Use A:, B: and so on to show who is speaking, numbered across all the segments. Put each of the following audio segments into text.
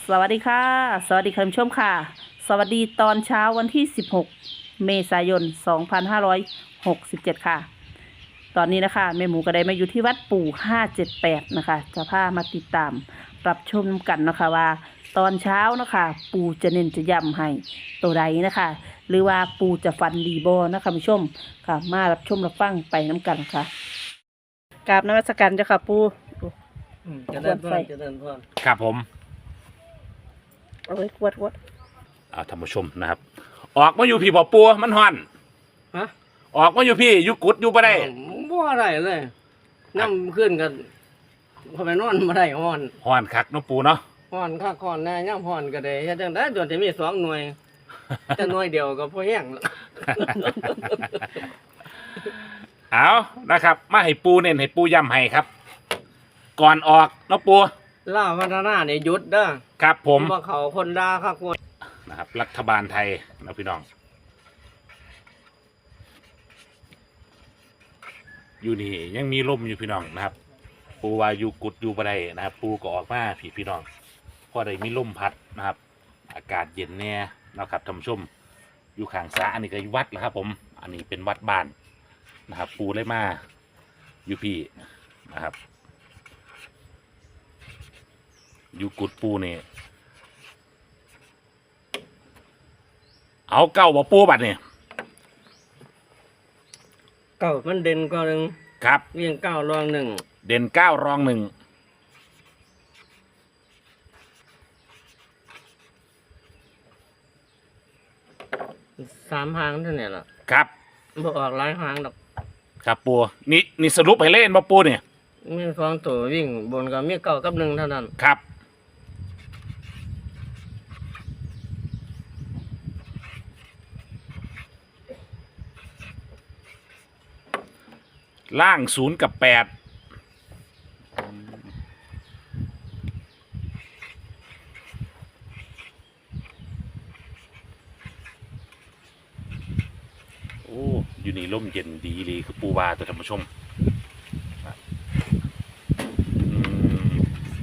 A: สวัสดีค่ะสวัสดีคุณผู้ชมค่ะสวัสดีตอนเช้าวันที่16เมษายน2567ค่ะตอนนี้นะคะแม่หมูก็ได้มาอยู่ที่วัดปู่578นะคะจะพามาติดตามรับชมกันนะคะว่าตอนเช้านะคะปู่จะเน้นจะย้ำให้ตัวใดนะคะหรือว่าปู่จะฟันดีบอนะคะคุณผู้ชมค่ะมารับชมรับฟังไปน้ำกันค่ะกราบนมัสการเจ้าค่ะปู่
B: จะเดินพรจะเดินพร
C: ครับผม
A: เอาไว้กวด
C: ท่านผู้ชมนะครับ ออกมาอยู่พี่บ่ปัวมันห่อน
B: ฮะ
C: ออกมาอยู่พี่อยู่กุดอยู่บ่ได้
B: บ่ได้เลยน้ำขึ้นกันพอไปนอนบ่ได้ฮ้อน
C: ห่อนคักเนาะปูเนาะ
B: ฮ้อนคักฮ้อนแน่ย่ำฮ้อนก็ได้เฮ็ดจังได๋จนจะมี2หน่วยแต่หน่วยเดียวก็พอแห้งแล้ว
C: เอานะครับ มาให้ปูเน้นให้ปูย้ำให้ครับ ก่อนออกเนาะปู
B: ลาวพัฒนานี่หยุดเด้อ
C: ครับผม
B: บ่เขาคนด่าคักคน
C: นะครับ รัฐบาลไทยนะพี่น้อง อยู่นี่ยังมีลมอยู่พี่น้องนะครับ ปูว่าอยู่กุดอยู่บ่ได้นะครับ ปูก็ออกมาพี่น้องพอได้มีลมพัดนะครับ อากาศเย็นแน่นะครับท่านผู้ชม อยู่ข้างสระอันนี้ก็วัดแล้วครับ ผม อันนี้เป็นวัดบ้านนะครับ ปูเลยมาอยู่พี่นะครับ อยู่กุดปูนี่เอาเก้าบ่ปูบัดนี่
B: เก้ามันเด่นกว่าหนึง
C: ครับ
B: เรียงเก้ารองหนึ่ง
C: เด่นเก้ารองหนึ่ง
B: 3หางเท่านี้ล่ะ
C: ครับ
B: บ่ออกหลายหางดอก
C: ครับปูนี่สรุปให้เล่นบ่ปูเนี่ย
B: มี2ตัววิ่งบนก็มีเก้ากับ1เท่านั้น
C: ครับล่าง0 กับ 8โอ้อยู่นี่ร่มเย็นดีเลยคือปูวาตัวท่านผู้ชมอืม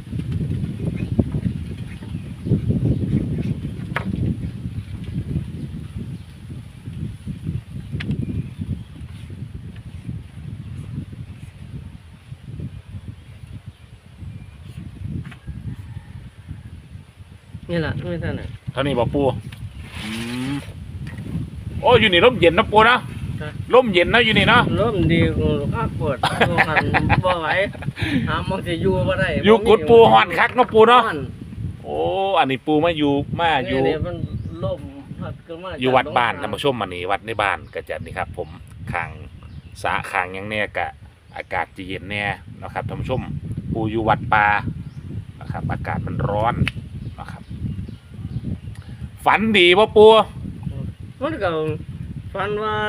B: นี่ล่ะมีเท่านั้น
C: เท่านี้บ่ปูอืมโอ้อยู่นี่ร่มเย็นนะปูนะร่มเย็นนะอยู่นี่เนาะ
B: ลมดีกูข้าปวดกูหันบ่ไหวหาหมองสิอยู่บ่ได้
C: อยู่กุดปูห่อนคักเนาะปูเนาะ
B: ฮ้อน
C: โอ้อันนี้ปูมาอยู่
B: นี่มันลมพัดขึ้นมา
C: อยู่วัดบ้านท่านผู้ชมอันนี้วัดในบ้านก็จะนี่ครับ ผมขางสระขางหยังแน่กะอากาศจะเย็นแน่นะครับท่านผู้ชมปูอยู่วัดป่านะครับอากาศมันร้อนนะครับฝันดีป่ะปู
B: มันก็ฝันว่า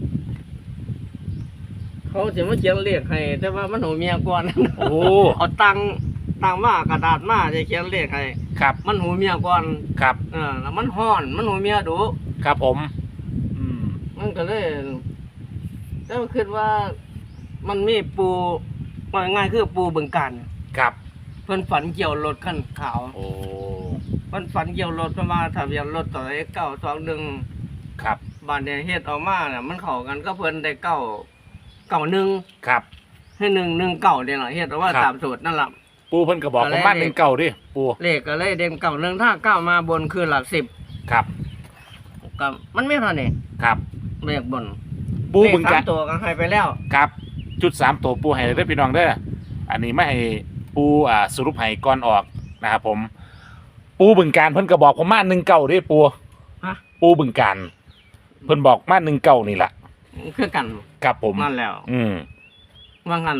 B: เขาสิมาเขียนเลขให้ แต่ว่ามันหูเมียก่อน
C: โอ้
B: เอาตังค์มากระดาษมาจะเขียนเลขให้
C: ครับ
B: มันหูเมียก่อน
C: ครับ
B: แล้วมันฮ้อนมันหูเมียดุ
C: ครับผมอืม
B: มันก็เลยแล้วคิดว่ามันมีปูว่าง่ายคือปูบึงการ
C: ครับ
B: เพิ่นฝันเกี่ยวรถคันขาว
C: โอ้
B: เพิ่นฝันเกี่ยวรถประมาณทะเบียนรถต่อ921
C: ครับ
B: บ้านเนี่ยเฮ็ดออกมาน่ะมันเข้ากันก็เพิ่นได้991
C: ครับ
B: ให้119เนี่ยล่ะเฮ็ดออกมา
C: ครับ
B: ตามสูตรนั่นล่ะ
C: ปูเพิ่นก็บอกประมาณ1 9ดิปู
B: เลขก็เลยเด่น91ถ้า9มาบนคือหลัก10
C: ครับ
B: ก็มันไม่เท่านี้
C: ครับ
B: เลขบน
C: ปูบึง
B: เลข
C: กา
B: สาร มตัวก็ให้ไปแล้ว
C: ครับจุด3ตัวปูให้ได้อพี่น้องเด้ออันนี้ไม่ให้ปูสรุปให้ก่อนออกนะครับผม ปูบึงการเพิ่นก็บอกผมมา19ดิปู
B: ฮะ
C: ปูบึงการเพิ่นบอกมา19นี่แหละ
B: คือกัน
C: ครับผม
B: นั่นแล้ว
C: อืม
B: ว่างั้น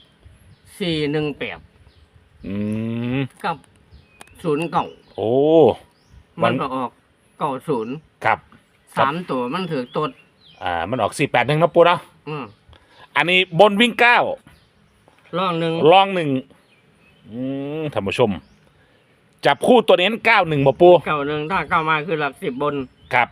B: 418
C: อืม
B: กับ09
C: โอ้
B: มันก็ออก90
C: ครับ
B: 3ตัวมันถือตด
C: มันออก481เนาะปูเนาะ
B: อือ
C: อันนี้บนวิ่ง9
B: ร่องหนึ่ง
C: รอง1ท่านผู้ชม จับคู่ตัวเน้น91บ่ปู
B: 91ถ้า9มาคือหลัก10บน
C: ครับ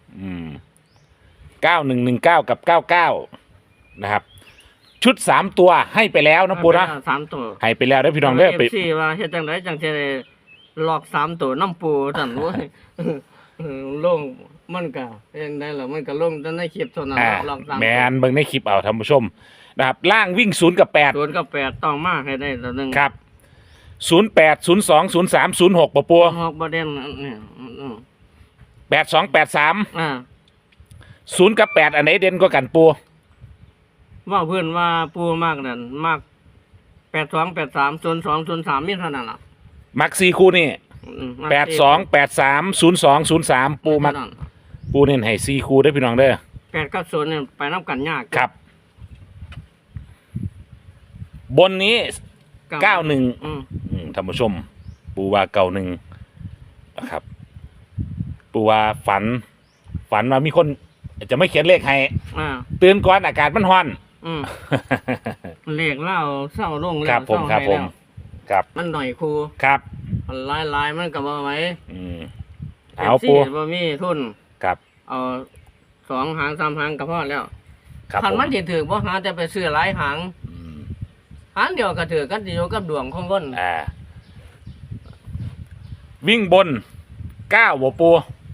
C: 9119กับ99นะครับ ชุด3ตัวให้ไปแล้วนะปูนะ
B: 3ตัว
C: ให้ไปแล้วได้อพี่น้องเด้อไป
B: FC ว่าเฮ็ดจังไดจังสิได้หลอก3ตัวน้ำปูสั่นโว้ยลงมันก็ยังได้ล่ะมันก็ลงแต่ในคลิปเท่านั้นหลอก3
C: แมนเบิ่งในคลิปเอาท่านผู้ชมนะครับล่างวิ่ง0กับ8
B: 0กับ8ต้องมาให้ได้ตัวนึง
C: ครับ08 02 03 06ปะปัว
B: ฮอกบ่เด่นเนี่ย
C: 82 83
B: อ่า
C: 0กับ8อันไหนเด่นกว่ากันปัว
B: ว่าเพื่อนว่าปูมากนั่นมาก82 83 02 03มีเท่านั้นล่ะ
C: มัก4คู่นี่
B: มัก
C: 82 83 02 03ปูมัก
B: เท่านั้น
C: ปูเน้นให้4คู่เด้อพี่น้องเด้อ
B: 8กับ0เนี่ยไปนำกันยาก
C: ครับ บนนี้ 91
B: อืม
C: ท่านผู้ชม ปูว่า91นะครับ ปูว่าฝันว่ามีคนจะไม่เขียนเลขให้
B: อ่า
C: ตื่นก่อนอากาศมันร้อน
B: อืมเลขเล่าเศร้าลง
C: ค
B: แล้
C: รั
B: ว
C: บผม
B: เศร้า
C: ครับ
B: ให้
C: ผ
B: แล้
C: ม
B: ว
C: ครับ
B: มันหน่อยครู
C: ครับ
B: มันลายมันก็บ่ไหว
C: เอาปู
B: บ่มีทุน
C: ครับ
B: เอา2 หาง 3 หางก็พอแล้ว
C: ครับ
B: คัน
C: ผม
B: มันสิถือบ่หาแต่ไปซื้อหลายหาง
C: อืม
B: หางเดียวก็ถือกันสิอยู่กับดวงของคน
C: วิ่งบน9บ่ปู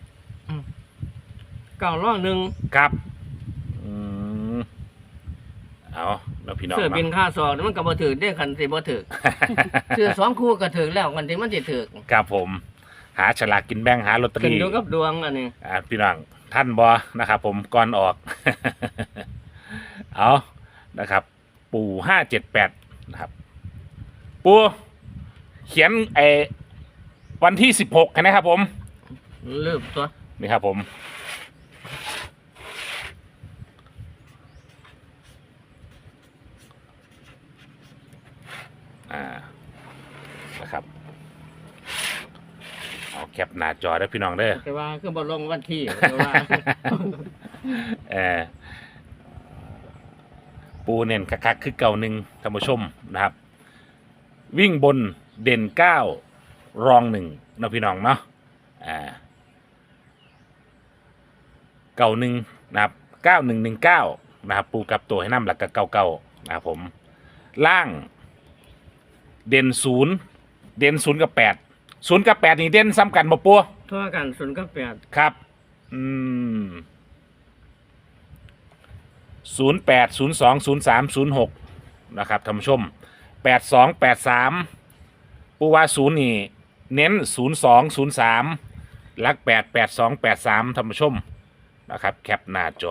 B: 9ล้อหนึ่ง
C: ครับอืมเอาแล้วพี่น้อง
B: ซื้อบิน
C: เนาะ
B: ค่าซอกนี่มันก็บ่ถือได้คันสิบ่ถือ ซื้อ2 คู่ก็ถือแล้วคันที่มันสิถือ
C: ครับผม หาฉลากกินแบ่งหาลอตเตอ
B: ขึ้น
C: รี่
B: อยู่กับดวงอันนี้
C: พี่น้องท่านบอนะครับผมก่อนออก เอานะครับ ปู่578นะครับ ปูเขียนวันที่16นะครับผม
B: ลืมตัว
C: นี่ครับผมนะครับเอาแคปหน้าจอได้พี่น้องเด้อ
B: แต่ว่าคือบ่ลงวันที่แต่ว่า
C: เออปูเน่นคักๆคือเก่าหนึ่งท่านผู้ชมนะครับ วิ่งบนเด่น9รอง1นะพี่น้องเนาะเก่าหนึ่งนะครับ9119นะครับปูกับตัวให้น้ำหลักกับเก่านะครับผมล่างเด่น0กับ8 0กับ8นี่เด่นซ้ำกันบ่ปัว
B: เท่ากัน0กับ8
C: ครับ08 02 03 06นะครับท่านผู้ชม82 83ปูว่า0นี่เน้น02 03ลัก8 82 83ท่านผู้ชมนะครับแคปหน้าจ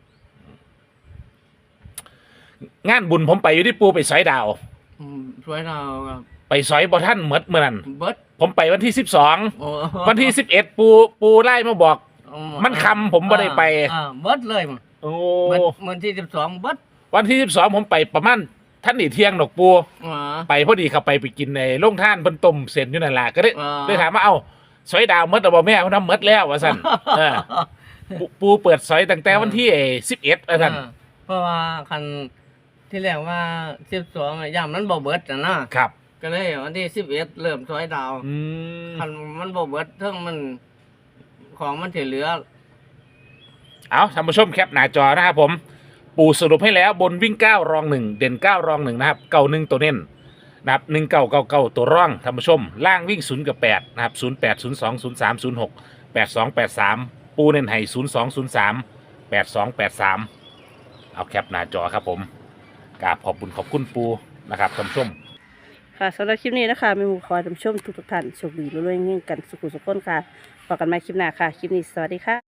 C: องานบุญผมไปอยู่ที่ปูไปสอยดาว
B: ช่วยเราครับ
C: ไปสอยบ่ท่านเมื่อนั้น
B: เบิด
C: ผมไปวันที่
B: โอ้
C: 12วันที่11ปูไล่มาบอก มันคำผมบ่ได้ไป
B: เบิดเลยมั้ง
C: โอ้
B: เบิดวันที่12เบิด
C: วันที่12ผมไปประมาณท่านนี่เที่ยงดอกปู
B: อ๋อ
C: ไปพอดีเข้าไปกินในโรงท่านเพิ่นต้มเส้นอยู่นั่นล่ะก็ได้
B: อ่า
C: ได้ถามว่าเอ้าสอยดาวหมดแล้วบ่แม่เพิ่นทำหมดแล้วว่าซั่นปูเปิดสอยตั้งแต่วันที่11ว่าซั่น
B: เพราะว่าคันที่แรกว่า12ย่ามมันบ่เบิดนะครับ ก็เลยวันที่11เริ่มซอยดาว
C: อืม
B: คันมันบ่เบิดเทิงมันของมันสิเหลือ
C: เอาท่านผู้ชมแคปหน้าจอนะครับผมปูสรุปให้แล้วบนวิ่ง9รอง1เด่น9รอง1นะครับ91ตัวเน้นนะครับ1999ตัวร่องท่านผู้ชมล่างวิ่ง0กับ8นะครับ08 02 03 06 82 83ปูเน้นให้02 03 82 83เอาแคปหน้าจอครับผมกราบขอบคุณปูนะครับท่านผู้ชม
A: ค่ะสำหรับคลิปนี้นะคะแม่หมูขอให้ท่านผู้ชมทุกท่านโชคดีรวยๆเงี้ยกันสุขุสุขคนค่ะพบกันใหม่คลิปหน้าค่ะ คลิปนี้สวัสดีค่ะ